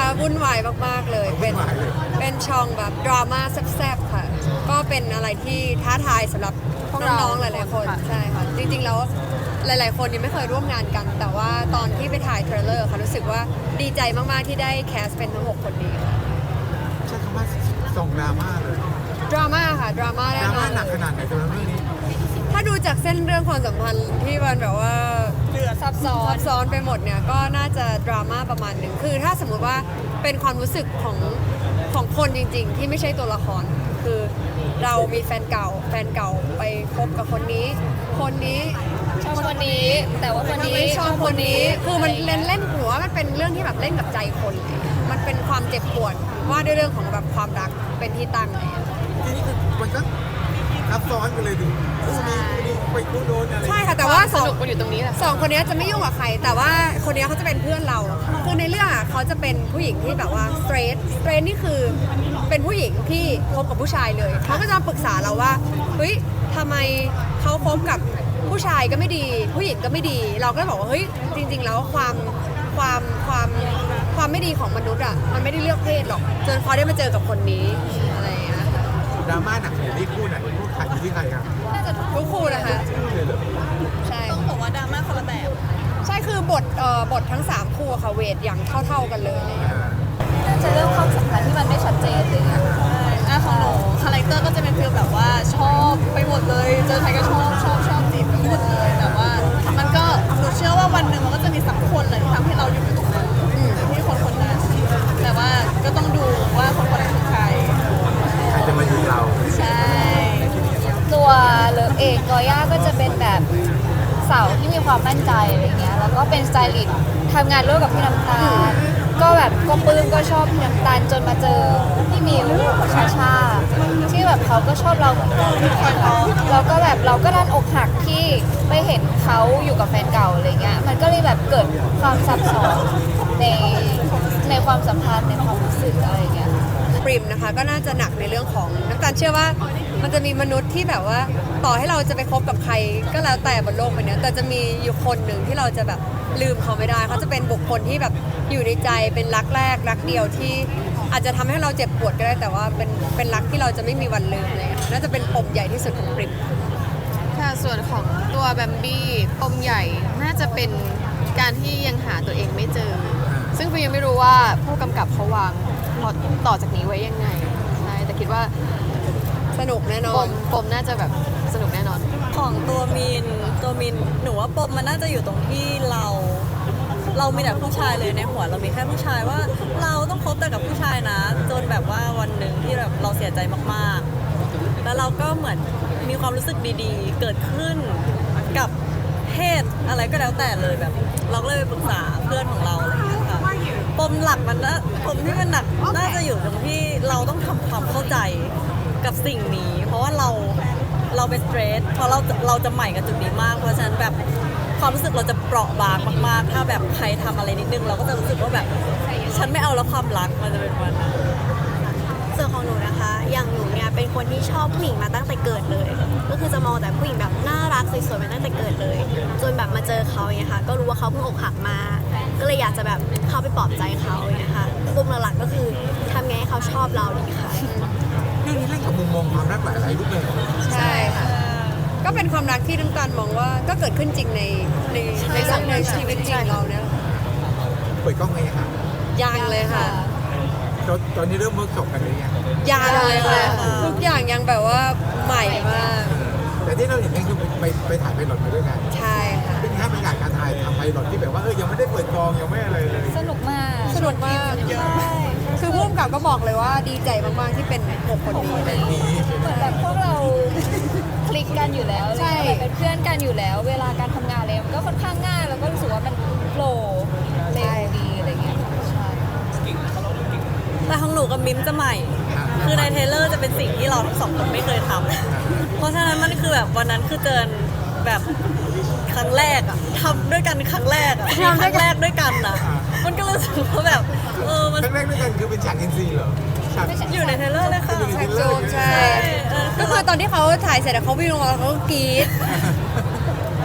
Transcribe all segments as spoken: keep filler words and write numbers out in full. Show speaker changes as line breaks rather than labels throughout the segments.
วุ่นวายมากๆเลยเป็นเป็นช่องแบบดราม่าแซ่บๆค่ะก็เป็นอะไรที่ท้าทายสำหรับน้องๆหลายๆคนใช่ค่ะจริงๆแล้วหลายๆคนยังไม่เคยร่วมงานกัน แต่ว่าตอนที่ไปถ่ายเทรลเลอร์ค่ะรู้สึกว่าดีใจมากๆที่ได้แคสเป็นทั้งหกคนนี้ค่ะ
ใช้คำว่าส่งดราม่าเลย
ดราม่าค่ะดราม่า
ด
แน่
ราน
อ
ม่าน หนักขนาดไหนสำหรับเรื่องนี้
ถ้าดูจากเส้นเรื่องความสัมพันธ์ที่มันแบบว่า
เหลือซับซ้อ
ซั
น
บซ้อนไปหมดเนี่ยก็น่าจะดราม่าประมาณหนึ่งคือถ้าสมมุติว่าเป็นความรู้สึกของของคนจริง ๆ ที่ไม่ใช่ตัวละคร คือเรามีแฟนเก่า แฟนเก่าไปคบกับคนนี้ คนนี้
ชอบคนนี้ แต่ว่าคนนี้
ไม่ชอบคนนี้ คือมันเล่นเล่นหัวมันเป็นเรื่องที่แบบเล่นกับใจคนเลยมันเป็นความเจ็บปวดว่าด้วยเรื่องของแบบความรักเป็นที่ตั้งอะไรอย่างเงี้ย
ทีนี้คือมันก็ซับซ้อนกันเลยดิคู่นี้คู่นี้ไปคู่โน้นอะไร
ใช่ค่ะแต่ว่า
ส
สอง
นุกมันอยู่ตรงนี้แหละ
สองคนนี้จะไม่ยุ่งกับใคร แต่ว่าคนนี้เขาจะเป็นเพื่อนเรา คือในเรื่องอ่ะเขาจะเป็นผู้หญิงที่แบบว่าสเตรทสเตรทนี่คือเป็นผู้หญิงที่คบกับผู้ชายเลยเขาก็จะมาปรึกษาเราว่าเฮ้ยทำไมเขาคบกับผู้ชายก็ไม่ดี ผู้หญิงก็ไม่ดี เราก็เลยบอกว่าเฮ้ยจริง ๆ แล้วความความความความไม่ดีของมนุษย์อ่ะมันไม่ได้เลือกเพศหรอกจนเขาได้มาเจอกับคนนี้อะไรอย่างเงี้ย
ดราม่าหนักเลยที่คู่ไหนคู่ใครอยู่ที่ใครครับ
น่าจะ
ทุกคู่นะคะ
คู่เลยเหรอ
ใช่
ต้องบอกว่าดราม่าคนละแบบ
ใช่คือบทเอ่อบททั้งสามคู่อะค่ะเวทอย่างเท่าๆกันเลย
อ่า
น่าจะเรื่องความสัมพันธ์ที่มันไม่ชัดเจนเลยอะอ่ะของหนูคาแรคเตอร์ก็จะเป็นฟีลแบบว่าชอบไปหมดเลย เจอใครก็ชอบชอบชอบจีบไปหมดเลยแต่ว่ามันก็หนูเชื่อว่าวันหนึ่งมันก็จะมีสักคนแหละที่ทำให้เราอยู่ตรงนั้นที่คนคนนั้นแต่ว่าก็ต้องดูว่าคนคนนั้นคือใคร
ใครจะมาอยู่เรา
ใช่ ตัวเลิฟเองกอย่าก็จะเป็นแบบสาวที่มีความมั่นใจอะไรเงี้ยแล้วก็เป็นสไตลิสต์ทำงานร่วมกับพี่น้ำตาลก็แบบก็ปลื้มก็ชอบพี่น้ำตาลจนมาเจอพี่มิวชาชาที่แบบเขาก็ชอบเราเหมือนกันแล้วก็แบบเราก็ดันอกหักที่ไปเห็นเขาอยู่กับแฟนเก่าอะไรเงี้ยมันก็เลยแบบเกิดความซับซ้อนในในความสัมพันธ์ในความรู้สึกอะไรเงี้ย
ปริมนะคะก็น่าจะหนักในเรื่องของน้ำตาลเชื่อว่ามันจะมีมนุษย์ที่แบบว่าต่อให้เราจะไปคบกับใครก็แล้วแต่บนโลกใบนี้แต่จะมีอยู่คนหนึ่งที่เราจะแบบลืมเขาไม่ได้เขาจะเป็นบุคคลที่แบบอยู่ในใจเป็นรักแรกรักเดียวที่อาจจะทำให้เราเจ็บปวดก็ได้แต่ว่าเป็นเป็นรักที่เราจะไม่มีวันลืมเลยน่าจะเป็นปมใหญ่ที่สุดของปริม
ค่ะส่วนของตัวแบมบี้ปมใหญ่น่าจะเป็นการที่ยังหาตัวเองไม่เจอ ซึ่งฟิวยังไม่รู้ว่าผู้กำกับเขาวางพล็อตต่อจากนี้ไว้ยังไงใช่แต่คิดว่า
สนุกแน่นอ
ป
น
มปมน่าจะแบบสนุกแน่นอน
ของตัวมินตัวมินหนูว่าปมมันน่าจะอยู่ตรงที่เรา เรามีแต่ผู้ชายเลยในหัวเรามีแค่ผู้ชายว่าเราต้องคบแต่กับผู้ชายนะ จนแบบว่าวันหนึ่งที่แบบเราเสียใจมากๆ แล้วเราก็เหมือนมีความรู้สึกดีๆ เกิดขึ้นกับเพศอะไรก็แล้วแต่เลยแบบ เราก็เลยไปปรึกษาเพื่อนของเราอะไรอย่างเงี้ยค่ะปมหลักมันนะปมที่มันหนักน่าจะอยู่ตรงที่เราต้องทำความเข้าใจกับสิ่งนี้ เพราะว่าเราเราเป็นสเตรทเพราะเราเราจะใหม่กับจุดนี้มาก เพราะฉะนั้นแบบความรู้สึกเราจะเปราะบางมากๆ ถ้าแบบใครทำอะไรนิดนึงเราก็จะรู้สึกว่าแบบฉันไม่เอาแล้วความรักมันจะเป็นวันนั้น
ส่วนของหนูนะคะ อย่างหนูเนี่ยเป็นคนที่ชอบผู้หญิงมาตั้งแต่เกิดเลย ก็คือจะมองแต่ผู้หญิงแบบน่ารักสวยๆมาตั้งแต่เกิดเลย จนแบบมาเจอเขาอย่างเงี้ยค่ะ ก็รู้ว่าเขาเพิ่งอกหักมา ก็เลยอยากจะแบบเข้าไปปลอบใจเขาอย่างเงี้ยค่ะปมหลักๆก็คือทำไงให้เขาชอบเราดีค่ะ
เรื่องนี้เล่นกับมุมมองความรักหลายๆรูปแบบ
ใช่ค่ะก็เป็นความรักที่น้ำตาลมองว่าก็เกิดขึ้นจริงในในในสังในชีวิตจริงเราเนี่ย
เปิดกล้องไงครับ
ยังเลยค่ะ
ตอนตอนนี้เริ่มเวิร์กช็อปกันหรือยัง
ยังเลยค่ะทุกอย่างยังแบบว่าใหม่มาก
แต่ที่เราเห็นนี่คือไปไปถ่ายไพลอตมาด้วยกัน
ใช่ค่ะ
เป็นแค่บรรยากาศการถ่ายทำไพลอตที่แบบว่าเออยังไม่ได้เปิดกองยังไม่อะไรเลย
สนุกมาก
สนุกมากคือผู้กำกับก็บอกเลยว่าดีใจมากๆที่เป็นหกคนนี้
นี้
เหมือนแบบพวกเราคลิกกันอยู่แล้ว
ใช่
แบบเป็นเพื่อนกันอยู่แล้ว เวลาการทำงานเลยมันก็ค่อนข้างง่ายแล้วก็รู้สึกว่ามันโฟลว์เร็วดีอะไรเงี้ยใช่
แต่ของหนูกับมิมจะใหม่ คือในเทรลเลอร์จะเป็นสิ่งที่เราทั้งสองคนไม่เคยทำ เพราะฉะนั้นมันคือแบบวันนั้นคือเจอแบบครั้งแรกอะทำด้วยกันครั้งแรกอะมีครั้งแรกด้วยกันอะมันก็รู้สึกว่าแบบเออมัน
ครั้งแรกด้วยกันคือเป็นฉากเอ็นซีเหรอฉาก
อยู่ในเทรลเลอร์เลยค่ะ
อยู่ใน
แท็ก
เทรลเล
โจ
อร์
มใช่
เออ
ก็คือตอนที่เขาถ่ายเสร็จแล้วเขาวิ่งลงมาแล้วเขาก็กรี๊ด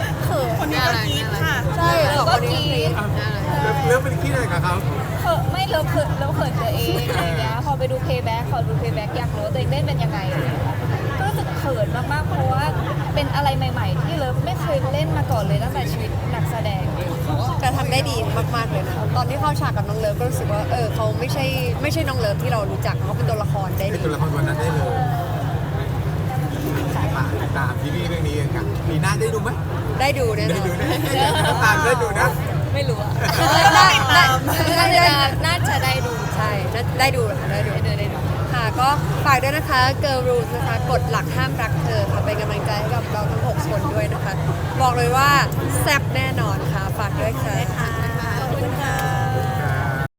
คนนี้ก็คิดค่ะ
ใช่สองคนนี้
ก็กรี๊ด
เริ่มเป็นขี้อะไรกับเขา
เออไม่เริ่มเขินเริ่มเขินตัวเองอะไรเงี้ยพอไปดูเพย์แบ็กพอดูเพย์แบ็กอยากรู้ว่าตัวเองเล่นเป็นยังไงอะไรเงี้ยก็รู้สึกเขินมากๆเพราะว่าเป็นอะไรใหม่ ๆ ที่เลิฟไม่เคยเล่นมาก่อนเลยตั้งแต่ชีวิตนักแสดง
แต่ทำได้ดีมากๆเลยนะตอนที่เข้าฉากกับน้องเลิฟก็รู้สึกว่าเออเขาไม่ใช่ไม่ใช่น้องเลิฟที่เรารู้จักเขาเป็นตัวละครได้
เป็น
ดี
ตัวละครตัวนั้นได้เลยฝากติดตามซีรีส์เรื่องนี้กันครับปีหน้าได้ดูไหม
ได้ดูแน่น
ได้
อน
ดูนะได้ตามได้ดูนะ
ไม่รู้อะ
ได้ได้ได้ได้
น่าจะได้ดู
ใช่น่าได้ดูค่ะได้ดูได้ดูค่ะก็ฝากด้วยนะคะ Girl Rules นะคะกฎหลักห้ามรักเธอค่ะเป็นกำลังใจให้กับเราทั้งหกคนด้วยนะคะ บอกเลยว่าแซ่บแน่นอนค่ะ ฝากด้วยค่ะ
ขอบคุณค่ะ